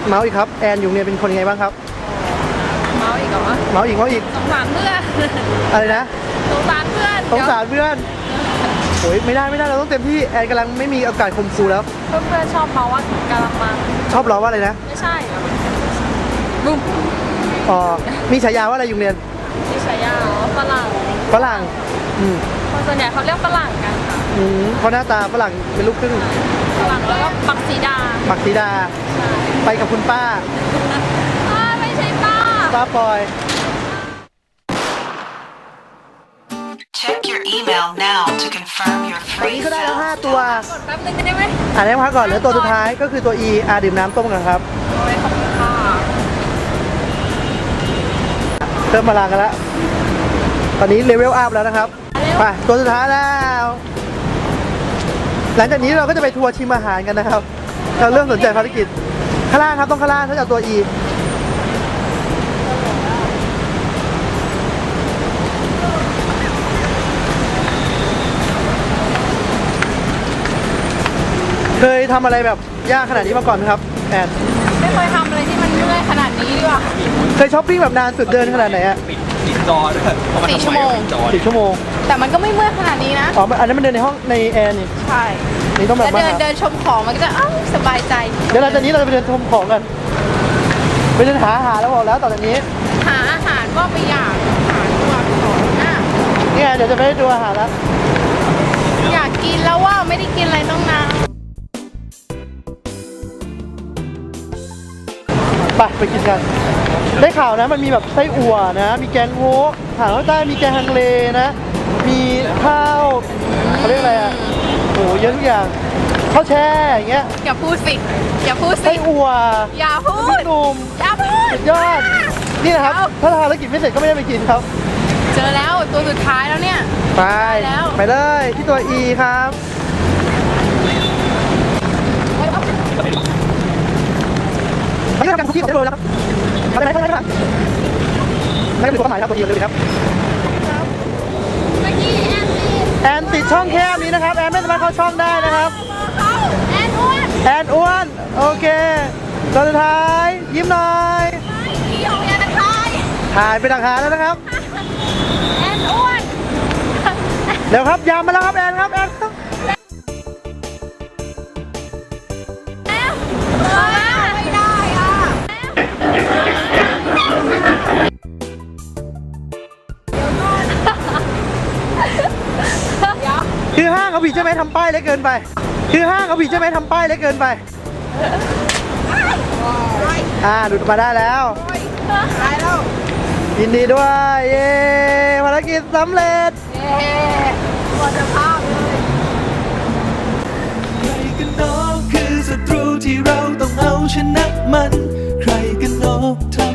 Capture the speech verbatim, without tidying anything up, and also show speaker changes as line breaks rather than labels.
เมาส์อีกครับแอนอยู่เนี่ยเป็นคนยังไงบ้างครับ
เมาอีกเหรอ
เมาส์อีกเมาส์อีก
สงสารเพื่อน
อะไรนะ
สงสารเพื่อน
สงสารเพื่อนโอ้ยไม่ได้ไม่ได้เราต้องเต็มที่แอนกำลังไม่มีโอกาสข่มขู่แล้ว
เพื่อนเพื่อนชอบเมาว่ากะละมัง
ชอบล้อว่าอะไรนะ
ไม่ใช่บุ้ม
อ๋อมีฉายาว่าอะไรอยู่เรียน
มีฉายาฝรั่ง
ฝรั่งอืม
คนส่วนใหญ่เขาเรียกฝรั่งกันค่ะ
อืมเพราะหน้าตาฝรั่งเป็นลูกครึ่ง
ฝรั่งแล้วก็ปักสีดา
ปักสีดาไปกับคุณป้า
ไม่ใช่ป้า
ป้าปอย
Check your email now to confirm your
วันนี้
free
ก็ได้แล้วห้า
fill.
ตัว
กดแป๊บนึงได้ไหม
อ่านให้พักก่อนเหลือตัวสุดท้ายก็คือตัว E อาดื่มน้ำต้มกันครับ
โอ้ยขอบคุณค่ะ
เริ่มมาลางกันแล้วตอนนี้เลเวลอัพแล้วนะครับไปตัวสุดท้ายแล้วหลังจากนี้เราก็จะไปทัวร์ชิมอาหารกันนะครับเราเริ่มสนใจภารกิจข้างล่างครับต้องข้างล่างถ้าจะเอาตัว E เคยทำอะไรแบบยากขนาดนี้มาก่อนไหมครับแอน
ไม่เคยทำอะไรที่มันเมื่อยขนาดนี้ดีกว่า
เคยช้อปปิ้งแบบนานสุดเดินขนาดไหนอะ
ปิดปิดจอด้วย
สี่ชั่วโมง
สี่ชั่วโมง
แต่มันก็ไม่เมื่อยขนาดนี้นะ
อ๋ออันนั้นมันเดินในห้องในแอร์นี่
ใช่
นี่ต้องแบบ
เดินเดินชมของมันก็จะอ้าวสบายใจ
เดี๋ยวหลังจากนี้เราจะไปเดินชมของกันไปเดินหาอาหารแล้วบอกแล้วต่อจากนี้
หาอาหารว่าไปอยากหาตัวของน่ะ
นี่ไงเดี๋ยวจะไปดูอาหารแล้ว
อยากกินแล้วว่าไม่ได้กินอะไรต้องนาน
ไปไปกินกันได้ข่าวนะมันมีแบบไส้อั่วนะมีแกงโฮกอาหารภาคใต้มีแกงฮังเลนะมีข้าวเขาเรียกอะไรอ่ะโอ้เยอะทุกอย่างข้าวแช่อย่างเงี้ย
อย่าพูดสิอย่าพูดสิ
ไส้อั่ว
อย่าพูด
หนุ่ม
อย่าพูด
สุดยอดนี่นะครับถ้าทานแล้วกินไม่เสร็จก็ไม่ได้ไปกินครับ
เจอแล้วตัวสุดท้ายแล้วเนี่ย
ไปไปเลยที่ตัว E ครับนี่ทำการคุกกี้ของเจ๊โรแล้วครับมาได้ไหมได้ไหมครับไม่ต้องดูความหมายครับตัว E เลยครับ
เมื่อกี้แอนติด
แอนติดช่องแคบนี้นะครับแอนไม่สามารถเข้าช่องได้นะครับ
แอนอ้วน
แอนอ้วนโอเคตัวสุดท้ายยิ้มหน่อย
พี่ของแอนทาย
ถ่ายไปดักหาแล้วนะครับ
แอนอ้วน
เดี๋ยวครับยามมาแล้วครับแอนครับแอนครับ
ไม่ได้อ่ะ
คือห้างเขาผิดใช่ไหมทำป้ายเล็กเกินไปคือห้างเขาผิดใช่ไหมทำป้ายเล็กเกินไปอ่าหลุดมาได้แล้ว
ได้แล้ว
ยินดีด้วยเย้ภารกิจสำเร็จ
เย้หมดสภาพเลย
ใครกันหนอคือศัตรูที่เราต้องเอาชนะมันใครกันหนอทำ